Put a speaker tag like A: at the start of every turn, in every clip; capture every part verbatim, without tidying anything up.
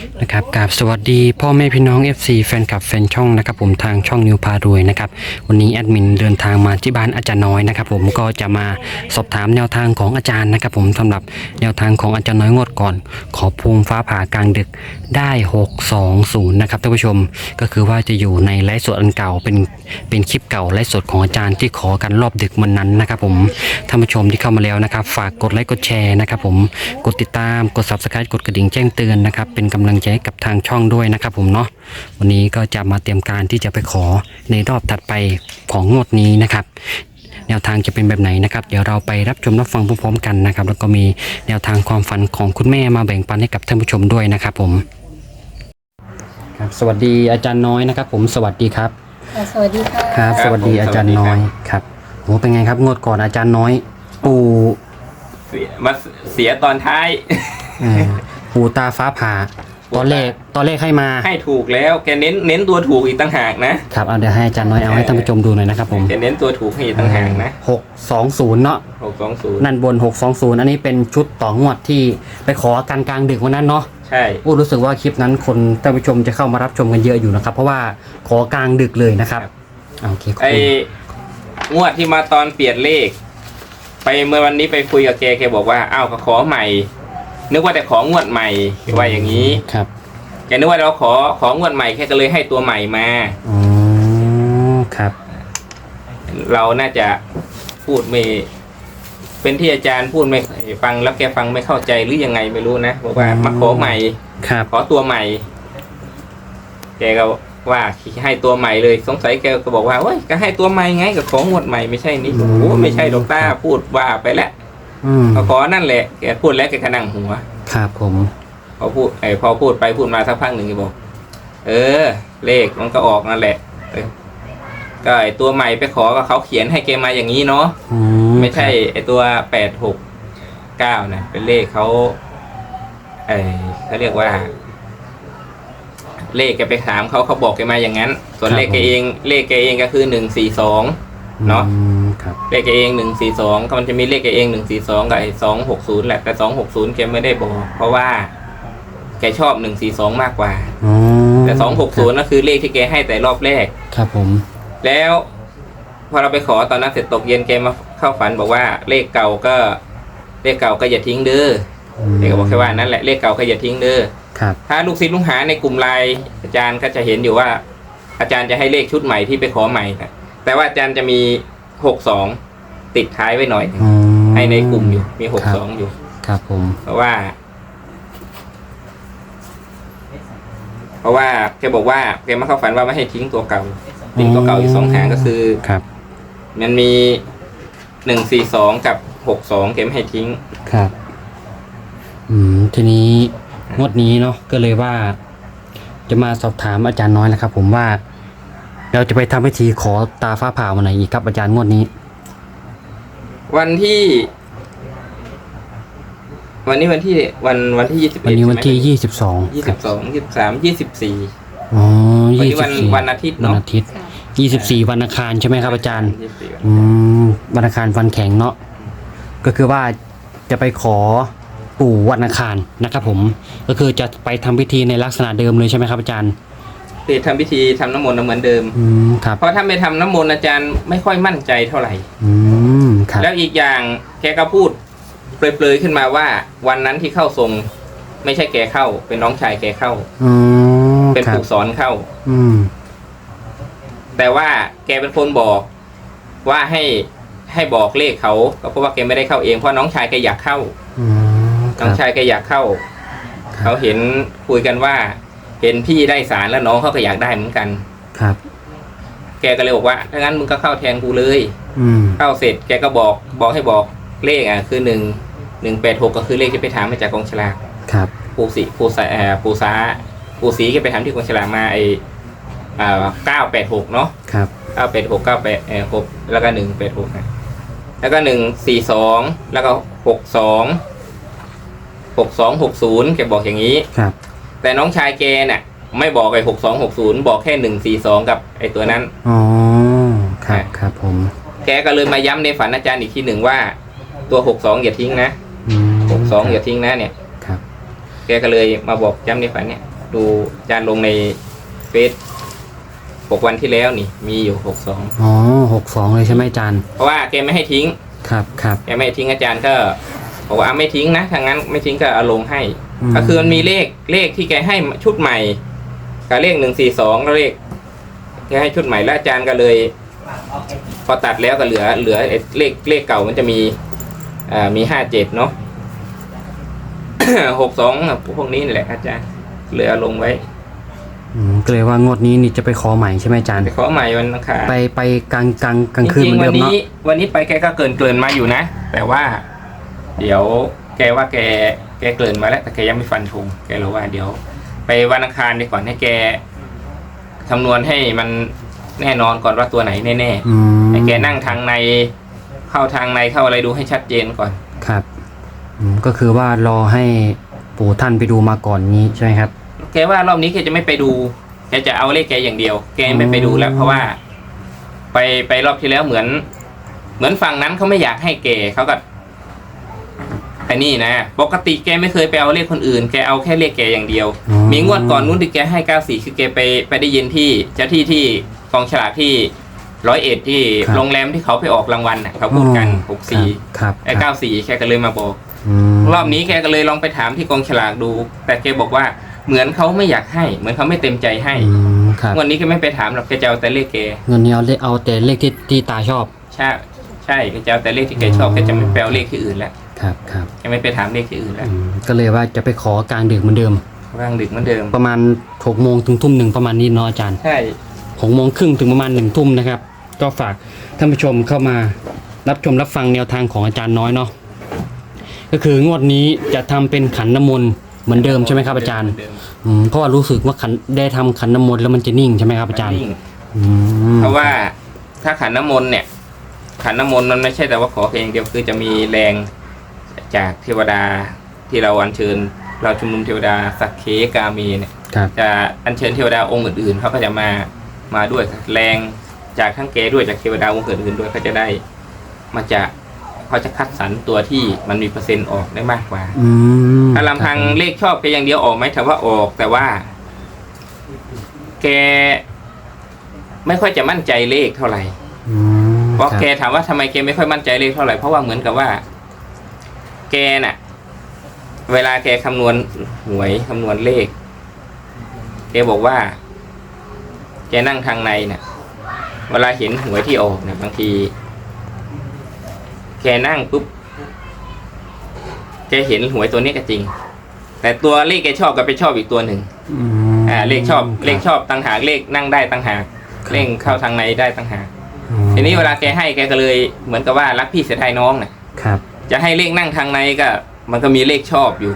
A: นะครับกราบสวัสดีพ่อแม่พี่น้อง เอฟ ซี แฟนคลับแฟนช่องนะครับผมทางช่องนิวพารวยนะครับวันนี้แอดมินเดินทางมาที่บ้านอาจารย์น้อยนะครับผมก็จะมาสอบถามแนวทางของอาจารย์นะครับผมสำหรับแนวทางของอาจารย์น้อยงวดก่อนขอภูมิฟ้าผ่ากลางดึกได้หกสองศูนย์นะครับท่านผู้ชมก็คือว่าจะอยู่ในไลฟ์สดอันเก่าเป็นเป็นคลิปเก่าไลฟ์สดของอาจารย์ที่ขอกันรอบดึกวันนั้นนะครับผมท่านผู้ชมที่เข้ามาแล้วนะครับฝากกดไลค์กดแชร์นะครับผมกดติดตามกด ซับสไครบ์ กดกระดิ่งแจ้งเตือนนะครับเป็นกำลังใจให้กับทางช่องด้วยนะครับผมเนาะวันนี้ก็จะมาเตรียมการที่จะไปขอในรอบถัดไปของงวดนี้นะครับแนวทางจะเป็นแบบไหนนะครับเดี๋ยวเราไปรับชมรับฟังพร้อมๆกันนะครับแล้วก็มีแนวทางความฝันของคุณแม่มาแบ่งปันให้กับท่านผู้ชมด้วยนะครับผมครับสวัสดีอาจารย์น้อยนะครับผมสวัสดีครับ
B: สวัสดีค่ะ
A: ครับสวัสดีอาจารย์น้อยครับโหเป็นไงครับงวดก่อนอาจารย์น้อยปู่
C: เสียมาเสียตอนท้าย
A: ปู่ตาฟ้าผ่าตอนแรกตอนแรกให้มา
C: ให้ถูกแล้วแกเน้นเน้นตัวถูกอีกต่างหากนะครับ
A: เอาเดี๋ยวให้อาจารย์น้อยเอาให้ท่านผู้ชมดูหน่อยนะครับผม
C: แกเน้นตัวถูกให้อีกต่างหากนะ
A: หกสองศูนย์เนาะ
C: หกสองศูนย์
A: นั่นบนหกสองศูนย์อันนี้เป็นชุดต่องวดที่ไปขอกันกลางดึกวันนั้นเนาะ
C: ใช่
A: พูดรู้สึกว่าคลิปนั้นคนท่านผู้ชมจะเข้ามารับชมกันเยอะอยู่นะครับเพราะว่าขอกลางดึกเลยนะครับโอเค
C: ไองวดที่มาตอนเปลี่ยนเลขไปเมื่อวันนี้ไปคุยกับแกแกบอกว่าอ้าวขอใหม่นึกว่าแต่ของวดใหม่ว่าอย่างนี้
A: ครับ
C: แกนึกว่าเราขอของวดใหม่แค่ก็เลยให้ตัวใหม่มา
A: อ๋อครับ
C: เราน่าจะพูดไม่เป็นที่อาจารย์พูดไม่ฟังแล้วแกฟังไม่เข้าใจหรือยังไงไม่รู้นะบอกว่ามาขอใหม่ขอตัวใหม่แกก็ว่าให้ตัวใหม่เลยสงสัยแกก็บอกว่าเฮ้ยก็ให้ตัวใหม่ไงกับของหมดใหม่ไม่ใช่นี่โอ้ไม่ใช่ดอกต้าพูดว่าไปแล้วเขาขอนั่นแหละแกพูดแล้วแกก็นั่งหัว
A: ครับผม
C: พอพูดไอ้พอพูดไปพูดมาสักพักหนึ่งแกบอกเออเลขมันก็ออกนั่นแหละก็ไอ้ตัวใหม่ไปขอก็เขาเขียนให้แกมาอย่างนี้เนาะไม่ใช่ไอ้ตัวแปดหกเก้านะเป็นเลขเขาไอ้เขาเรียกว่าเลขแกไปถามเขาเขาบอกแกมาอย่างนั้นส่วนเลขแกเองเลขแกเองก็คือหนึ่งสี่สองเนาะเลขแกเองหนึ่งสี่สองก็มันจะมีเลขแกเองหนึ่งสี่สองกับไอ้สองหกศูนย์แหละแต่สองหกศูนย์แกไม่ได้บอกเพราะว่าแกชอบหนึ่งสี่สองมากกว่าแต่สองหกศูนย์นั่นคือเลขที่แกให้แต่รอบแรก
A: ครับผม
C: แล้วพอเราไปขอตอนนั้นเสร็จตกเย็นแกมาเข้าฝันบอกว่าเลขเก่าก็เลขเก่าก็อย่าทิ้งเด้อแกก็บอกแค่ว่านั่นแหละเลขเก่าก็อย่าทิ้งเด้อถ้าลูกศิษย์ลูกหาในกลุ่มไลน์อาจารย์ก็จะเห็นอยู่ว่าอาจารย์จะให้เลขชุดใหม่ที่ไปขอใหม่นะแต่ว่าอาจารย์จะมีหกสองติดท้ายไว้หน่อยให้ในกลุ่มอยู่มีหกสองอยู่
A: ครับผม
C: เพราะว่าเพราะว่าแกบอกว่าแกมาเข้าฝันว่าไม่ให้ทิ้งตัวเก่าทิ้งตัวเก่าอยู่สองหางก็คือ
A: ครับ
C: มันมีหนึ่งสี่สองกับหกสองแกไม่ให้ทิ้ง
A: ครับอืมทีนี้งวดนี้เนาะก็เลยว่าจะมาสอบถามอาจารย์น้อยนะครับผมว่าเราจะไปทำพิธีขอตาฟ้าผ่าวันไหนอีกครับอาจารย์งวดนี้
C: วันที่วันนี้วันที่วันวันที่ยี่สิบเอ็ด
A: วันนี้วันที่ยี่สิบสอง
C: ยี่สิบสองยี่สิบสามยี่สิบสี่
A: อ๋อ
C: ยี่สิบสี่วันอาทิตย์เนาะ
A: วันอาทิตย์ยี่สิบสี่วันอังคารใช่ไหมครับอาจารย์อืมวันอังคารวันแข็งเนาะก็คือว่าจะไปขอปู่วันอังคารนะครับผมก็คือจะไปทำพิธีในลักษณะเดิมเลยใช่ไหมครับอาจารย์
C: คือทำพิธีทำน้ำมนต์เหมือนเดิม
A: อืมครับ
C: เพราะถ้าไม่ทำน้ำมนต์อาจารย์ไม่ค่อยมั่นใจเท่าไหร่
A: อืมครับ
C: แล้วอีกอย่างแกก็พูดเปรยๆขึ้นมาว่าวันนั้นที่เข้าทรงไม่ใช่แกเข้าเป็นน้องชายแกเข้า
A: อืม
C: เป็นปู่สอนเข้า
A: อืม
C: แต่ว่าแกเป็นคนบอกว่าให้ให้บอกเลขเขาก็เพราะว่าแกไม่ได้เข้าเองเพราะน้องชายแกอยากเข้าน้องชายแกอยากเข้าเขาเห็นคุยกันว่าเห็นพี่ได้สารแล้วน้องเขาก็อยากได้เหมือนกัน
A: ครับ
C: แกก็เลยบอกว่าถ้างั้นมึงก็เข้าแทนกูเลย
A: อืม
C: เข้าเสร็จแกก็บอกบอกให้บอกเลขอ่ะคือหนึ่งหนึ่งแปดหกก็คือเลขที่ไปถามมาจากกองฉลาก
A: ครับ
C: ปูสีปูสาปูสาปูสีแกไปถามที่กองฉลากมาไออ่าเก้าแปดหกเนาะ
A: ครับ
C: เก้าแปดหกเก้าแปดเออหกแล้วก็หนึ่งแปดหกนะแล้วก็หนึ่งสี่สองแล้วก็หกสองหกสองหกศูนย์แกบอกอย่างนี้
A: ครับ
C: แต่น้องชายแกเนี่ยไม่บอกไอ้หกสองหกศูนย์บอกแค่หนึ่งสี่สองกับไอ้ตัวนั้น
A: อ๋อครับครับผม
C: แกก็เลยมาย้ำในฝันอาจารย์อีกทีหนึ่งว่าตัวหกสองอย่าทิ้งนะหกสองอย่าทิ้งนะเนี่ย
A: ครับ
C: แกก็เลยมาบอกย้ำในฝันเนี่ยดูอาจารย์ลงในเฟซหกวันที่แล้วนี่มีอยู่หกสอง
A: อ๋อหกสองเลยใช่ไหมอาจารย์
C: เพราะว่าแกไม่ให้ทิ้ง
A: ครับครับ
C: แกไม่ให้ทิ้งอาจารย์ก็บอกว่าไม่ทิ้งนะถ้างั้นไม่ทิ้งก็เอาลงให้
A: อืม
C: ก็คือมันมีเลขเลขที่แกให้ชุดใหม่กับเลขหนึ่งสี่สองแล้วเลขแกให้ชุดใหม่แล้วอาจารย์ก็เลย พอตัดแล้วก็เหลือเหลือเลขเลขเก่ามันจะมีอ่ามีห้าเจ็ดเนาะ หกสองพวกนี้นี่แหละอาจารย์เหลือลงไว้
A: อืมก็เลยว่างวดนี้นี่จะไปขอใหม่ใช่ไหมอาจารย์
C: ไปขอใหม่วันอังคาร
A: ไปไปกลางกลางกลางคืน
C: จ
A: เหมื
C: ริ
A: อง น
C: ๆ
A: เดิ
C: วัน
A: มเนาะ
C: นี้วันนี้ไปแกก็เกินเกินมาอยู่นะ แต่ว่า เดี๋ยวแกว่าแกแกเกินมาแล้วแต่แกยังไม่ฟันธงแกรู้ว่าเดี๋ยว ไปวันอังคารดีก่อนให้แกคำนวณให้มันแน่นอนก่อนว่าตัวไหนแน่
A: อืม
C: ๆให้แกนั่งทางในเข้าทางในเข้าอะไรดูให้ชัดเจนก่อน
A: ครับอืมก็คือว่ารอให้ปู่ท่านไปดูมาก่อนนี้ใช่ไหมครับ
C: แกว่ารอบนี้แกจะไม่ไปดูแกจะเอาเลขแกอย่างเดียว แกไม่ไปดูแล้ว เพราะว่า ไปไปรอบที่แล้วเหมือน เหมือนฝั่งนั้นเขาไม่อยากให้แกเขาก็ไอ้นี่นะปกติแกไม่เคยไปเอาเลขคนอื่นแกเอาแค่เลขแกอย่างเดียว
A: อ๋อ
C: มีงวดก่อนนู้นที่แกให้เก้าสี่คือแกไปไปได้ยินที่เจ้าที่ที่กองฉลากที่ร้อยเอ็ดที่โรงแรมที่เขาไปออกรางวัลน่ะเขาพูดกันหกสี่
A: ครับ
C: ไอ้เก้าสี่แกก็เลยมาบอก
A: อืม
C: รอบนี้แกก็เลยลองไปถามที่กองฉลากดู แต่แกบอกว่าเหมือนเขาไม่อยากให้ เหมือนเขาไม่เต็มใจให้
A: อืมครับ
C: งวันนี้แกไม่ไปถามหรอกแกจะเอาแต่เลขแก
A: เงินนี้เอาเลขเอาแต่เลขที่ที่ตาชอบ
C: ใช่ใช่แกจะเอาแต่เลขที่แกชอบแกจะไม่ไปเอาเลขที่อื่นแล้ว
A: ครับครับ
C: แกไม่ไปถามเลขที่อื่นแล้ว
A: อืมก็เลยว่าจะไปขอกลางดึกเหมือนเดิม
C: ร่างดึกเหมือนเดิม
A: ประมาณหกโมงถึงทุ่มหนึ่งประมาณนี้เนาะอาจารย์
C: ใช่
A: หกโมงครึ่งถึงประมาณหนึ่งทุ่มนะครับ ก็ฝากท่านผู้ชมเข้ามารับชมรับฟังแนวทางของอาจารย์น้อยเนาะก็คืองวดนี้จะทำเป็นขันน้ำมนต์เหมือนเดิมใช่ไหมครับอาจารย์
C: เหมืนเดิม
A: อืมเพราะว่ารู้สึกว่าขันได้ทำขันน้ำมนต์แล้วมันจะนิ่งใช่ไหมครับอาจารย์
C: นิ่ง
A: อืม
C: เพราะว่าถ้าขันน้ำมนต์เนี่ย ขันน้ำมนต์มันไม่ใช่แต่ว่าขอเพียงเดียวคือจะมีแรงจากเทวดาที่เราอัญเชิญ เราชุมนุมเทวดาสักเคกามีเนี่ย
A: ครับ
C: จะอัญเชิญเทวดาองค์อื่นๆเขาก็จะมามาด้วยแรงจากทั้งแกด้วยจากเทวดาองค์อื่นๆด้วยเขาจะได้มาจากเขาจะคัดสรรตัวที่มันมีเปอร์เซ็นต์ออกได้มากกว่า
A: อืม
C: ถ้าลำพังเลขชอบแกอย่างเดียวออกไหมถามว่าออก แต่ว่า แก ไม่ค่อยจะมั่นใจเลขเท่าไหร่
A: อืม
C: เพราะ
A: ครับ
C: แกถามว่าทำไมแกไม่ค่อยมั่นใจเลขเท่าไหร่เพราะว่าเหมือนกับว่า แกน่ะ เวลาแกคำนวณหวยคำนวณเลข แกบอกว่า แกนั่งทางในเนี่ยเวลาเห็นหวยที่ออกเนี่ยบางที แกนั่งปุ๊บแกเห็นหวยตัวนี้ก็จริง แต่ตัวเลขแกชอบก็ไปชอบอีกตัวหนึ่ง
A: อืม
C: อ่า เลขชอบ
A: ครับ
C: เลขชอบต่างหากเลขนั่งได้ต่างหากเลขเข้าทางในได้ต่างหาก
A: อืม
C: ทีนี้เวลาแกให้แกก็เลยเหมือนกับว่ารักพี่เสียดายน้องน่ะ
A: ครับ
C: จะให้เลขนั่งทางในก็ มันก็มีเลขชอบอยู่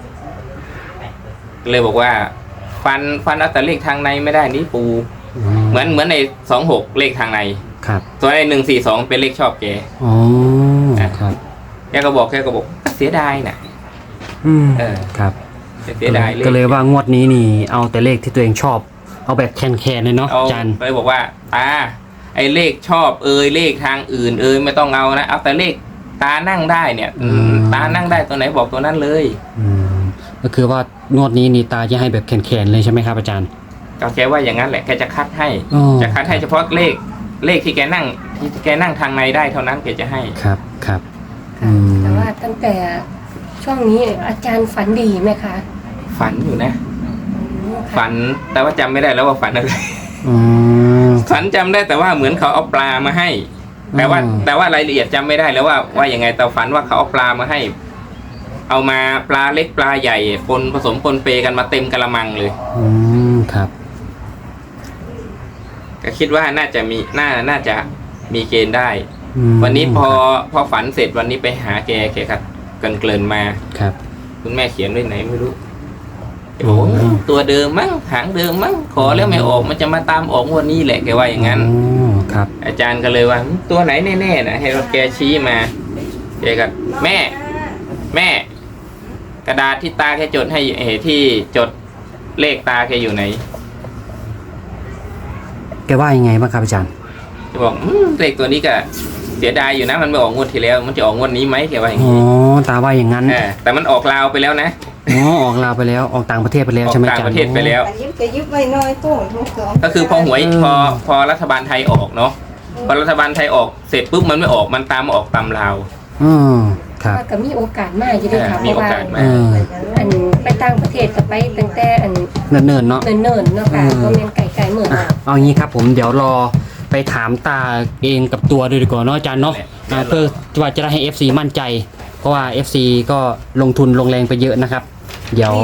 C: เลยบอกว่า ฟันฟันเอาแต่เลขทางในไม่ได้นี่ปู เหมือนเหมือนในสองหกเลขทางใน
A: ครับ
C: ตัวในหนึ่งสี่สองเป็นเลขชอบแก
A: อ๋อครับ
C: แกก็บอกแกก็บอกเสียดายน่ะ
A: อืม
C: เออ
A: ครับ
C: เสียดายเลข
A: ก็เลยว่างวดนี้นี่เอาแต่เลขที่ตัวเองชอบ เอาแบบแคนๆเลยเนาะ
C: เอา
A: อาจารย์
C: เลยบอกว่าตาไอ้เลขชอบเอยเลขทางอื่น เอยไม่ต้องเอานะเอาแต่เลขตานั่งได้เนี่ย
A: อืม
C: ตานั่งได้ตัวไหนบอกตัวนั้นเลย
A: อืมก็คือว่างวดนี้นี่ตาจะให้แบบแคนๆเลยใช่ไหมครับอาจารย์
C: ก็แกว่าอย่างนั้นแหละแกจะคัดให้
A: อ๋อ
C: จะคัดให้เฉพาะเลขเลขที่แกนั่งที่แกนั่งทางในได้เท่านั้นแกจะให้
A: ครับครับ อื
B: ค่ะ
A: ม
B: แต่ว่าตั้งแต่ช่วงนี้อาจารย์ฝันดีไหมคะ
C: ฝันอยู่นะ
B: อืมค่ะ
C: ฝันแต่ว่าจำไม่ได้แล้วว่าฝันอะไร
A: อืม
C: ฝันจำได้แต่ว่าเหมือนเขาเอาปลามาให้ แต่ว่า
A: อืม
C: แต่ว่ารายละเอียดจำไม่ได้แล้วว่าว่ายังไงแต่ฝันว่าเขาเอาปลามาให้ เอามาปลาเล็กปลาใหญ่ปนผสมปนเปกันมาเต็มกระมังเลย
A: อืมครับ
C: ก็คิดว่าน่าจะมีน่าน่าจะมีเกณฑ์ได้
A: อืม
C: วันนี้พอพอฝันเสร็จวันนี้ไปหาแกแกกัดเกินเกินๆมา
A: ครับ
C: คุณแม่เขียนไว้ไหนไม่รู้แกบอกว่าตัวเดิมมั้งหางเดิมมั้งขอแล้วไม่ออกมันจะมาตามออกงวันนี้แหละแกว่าอย่างนั้น
A: อ๋อครับ
C: อาจารย์ก็เลยว่าตัวไหนแน่ๆนะให้เราแกชี้มาแกก็แม่ แม่ กระดาษที่ตาแกจดให้เออที่จดเลขตาแกอยู่ไหน
A: แกว่ายังไงบ้างครับอาจารย์
C: จะบอกอืมเลขตัวนี้ก็เสียดายอยู่นะมันไม่ออกงวดที่แล้ว มันจะออกงวดนี้ไหมแกว่าอย่าง
A: อ๋อ
C: นี้
A: ตาว่าอย่างนั้น
C: เออแต่มันออกลาวไปแล้วนะ
A: อ๋อออกลาวไปแล้วออกต่างประเทศไปแล้ว
C: ออก
A: ใช่ไหม
C: ต่าง
A: อาจารย์
C: ประเทศไปแล้ว
D: อันนี้จะยึดไว้น้อยโป้งทุกสอง
C: ก็คือพอหวยพอพอรัฐบาลไทยออกเนาะพอรัฐบาลไทยออกเสร็จปุ๊บมันไม่ออกมันตามมาออกตามลาว
A: อืมครับ
B: ว่าก็มีโอกาสมากอยู่ด้วยค่ะ
C: มี
B: เพราะ
C: โอ
B: ว่าก
C: าสมา
A: เออ
B: อันไปต่างประเทศก็ไปตั้งแต่อัน
A: เนิ่นๆเนาะ
B: เนิ่นๆเนาะค่ะ
A: เออ
B: ก็แม่นไก่ไก่เหมือน
A: อ่ะเอางี้ครับผมเดี๋ยวรอไปถามตาเองกับตัวด้วยดีกว่าเนาะอาจารย์เนาะอ่าเพื่อว่าจะได้ให้ เอฟ ซี มั่นใจ เพราะว่า เอฟ ซี ก็ลงทุนลงแรงไปเยอะนะครับ เดี๋ยว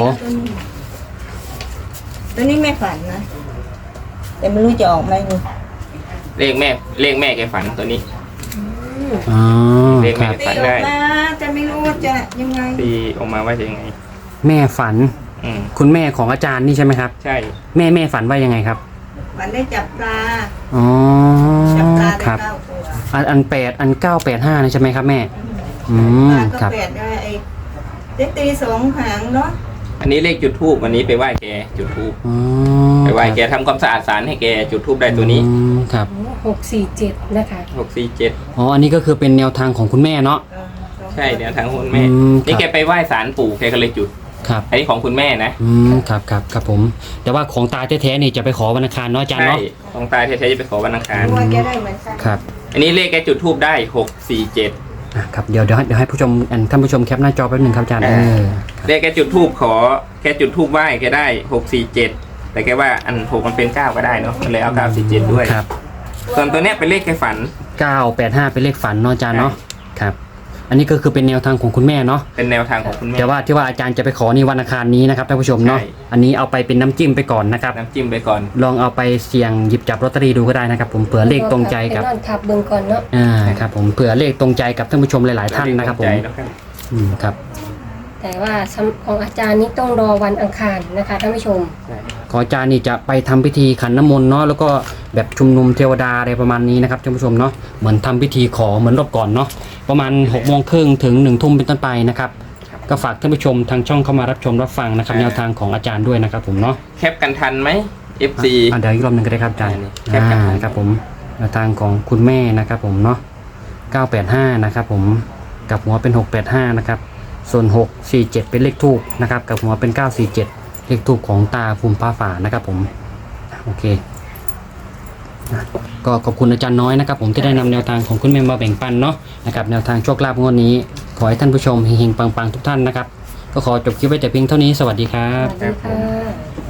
D: ตัวนี้ไม่ฝันนะแต่ไม่รู้จะออกไหมนี่
C: เลขแม่เลขแม่แกฝันตัวนี้
A: อ๋อ
C: เลข
A: ค
C: แม่
A: รับ
D: ตีออกมาจะไม่รู้ว่าจะยังไง
C: ตีออกมาว่าจะยังไง
A: แม่ฝัน
C: อืม
A: คุณแม่ของอาจารย์นี่ใช่ไหมครับ
C: ใช่
A: แม่แม่ฝันว่ายังไงครับ
D: ฝันได้จับปลา
A: อ๋อ
D: จับปลา
A: ค
D: ได้
A: รับ
D: เก้าตัว
A: อันอันแปดอันเก้าแปดห้านี่ใช่ไหมครับแม่ อื
D: ป
A: ม
D: ลาก็
A: ครับ
D: แปดได้ไอ้เด็กตีสองหางเนาะ
C: อันนี้เลขจุดทูบวันนี้ไปไหว้แกจุดทูบ
A: อ๋อ
C: ไปไหว้แกทำความสะอาดศาลให้แกจุดทูบได้ตัวนี้
A: อืมครับ
B: หกสี่เจ็ดนะคะ
C: หกสี่เจ็ด
A: อ๋ออันนี้ก็คือเป็นแนวทางของคุณแม่เนาะ
D: เออสอง
C: ใช่เดี๋ยวทางคุณแม่
A: อืม
C: นี่
A: ครับ
C: แกไปไหว้ศาลปู่แกก็เลยจุด
A: ครับ
C: อันนี้ของคุณแม่นะ
A: อืมครับครับครับผม แต่ว่าของตาแท้ๆนี่จะไปขอวันอังคารเนาะอาจารย์
C: ใช่
A: เนาะ
C: ของตาแท้ๆจะไปขอวันอังคาร
D: ตัวแกได้เหมือนกัน
A: ครับ
C: อันนี้เลขแกจุดทูบได้หกสี่เจ็ด
A: อ่ะครับเดี๋ยวเดี๋ยวให้เดี๋ยวให้ผู้ชมอันท่านผู้ชมแคปหน้าจอแป๊บหนึงครับอาจารย์
C: อ่า
A: เออครับ
C: เลขแกจุดทูบขอแกจุดทูบไหว้แกได้หกสี่เจ็ดแต่แกว่าอันหกมันเป็นเก้าก็ได้เนาะก็เลยเอาเก้าสี่เจ็ดด้วย
A: ครับ
C: ส่วนตัวเนี้ยเป็นเลขแกฝัน
A: เก้าแปดห้าเป็นเลขฝันเนาะอาจารย์เนาะครับ อันนี้ก็คือเป็นแนวทางของคุณแม่เนาะ
C: เป็นแนวทางของคุณแม่
A: แต่ว่าที่ว่าอาจารย์จะไปขอนี่วันอังคารนี้นะครับท่านผู้ชมเนาะ
C: ใช่
A: อันนี้เอาไปเป็นน้ำจิ้มไปก่อนนะครับ
C: น้ำจิ้มไปก่อน
A: ลองเอาไปเสี่ยงหยิบจับลอตเตอรี่ดูก็ได้นะครับ ผมเผื่อเลขตรงใจกับ
B: ไปนอนทับเบิ่งก่อนเนาะ
A: อ่าครับผมเผื่อเลขตรงใจกับท่านผู้ชมหลาย ๆ ท่านนะครับผม
C: ใจแล้วกัน
A: อืมครับ
B: แต่ว่าสำของอาจารย์นี่ต้องรอวันอังคารนะคะท่านผู้ชม
C: ใช่
A: ขออาจารย์นี่จะไปทำพิธีขันน้ำมนต์เนาะแล้วก็แบบชุมนุมเทวดาอะไรประมาณนี้นะครับท่านผู้ชมเนาะเหมือนทำพิธีขอเหมือนรอบก่อนเนาะประมาณหกโมงครึ่งถึงหนึ่งทุ่มเป็นต้นไปนะครับก็ฝากท่านผู้ชมทางช่องเข้ามารับชมรับฟังนะครับแนวทางของอาจารย์ด้วยนะครับผมเนาะ
C: แคปกันทันไหม เอฟ ซี
A: อ่ะเดี๋ยวอีกรอบหนึงก็ได้ครับอาจารย์
C: แคปกัน
A: อ่าครับผมแนวทางของคุณแม่นะครับผมเนาะเก้าแปดห้านะครับผมกับหัวเป็นหกแปดห้านะครับส่วนหกสี่เจ็ดเป็นเลขทูบนะครับกับหัวเป็นเก้าสี่เจ็ดเลขทูบของตาภูมิฟ้าฝานะครับผมโอเคนะก็ขอบคุณอาจารย์น้อยนะครับผมที่ได้นำแนวทางของคุณแม่มาแบ่งปันเนาะนะครับแนวทางโชคลาภงวดนี้ ขอให้ท่านผู้ชมเฮงๆปังๆทุกท่านนะครับก็ขอจบคลิปไว้แต่เพียงเท่านี้สวัสดีครั
B: ส
A: บ
B: วัสดีค่ะ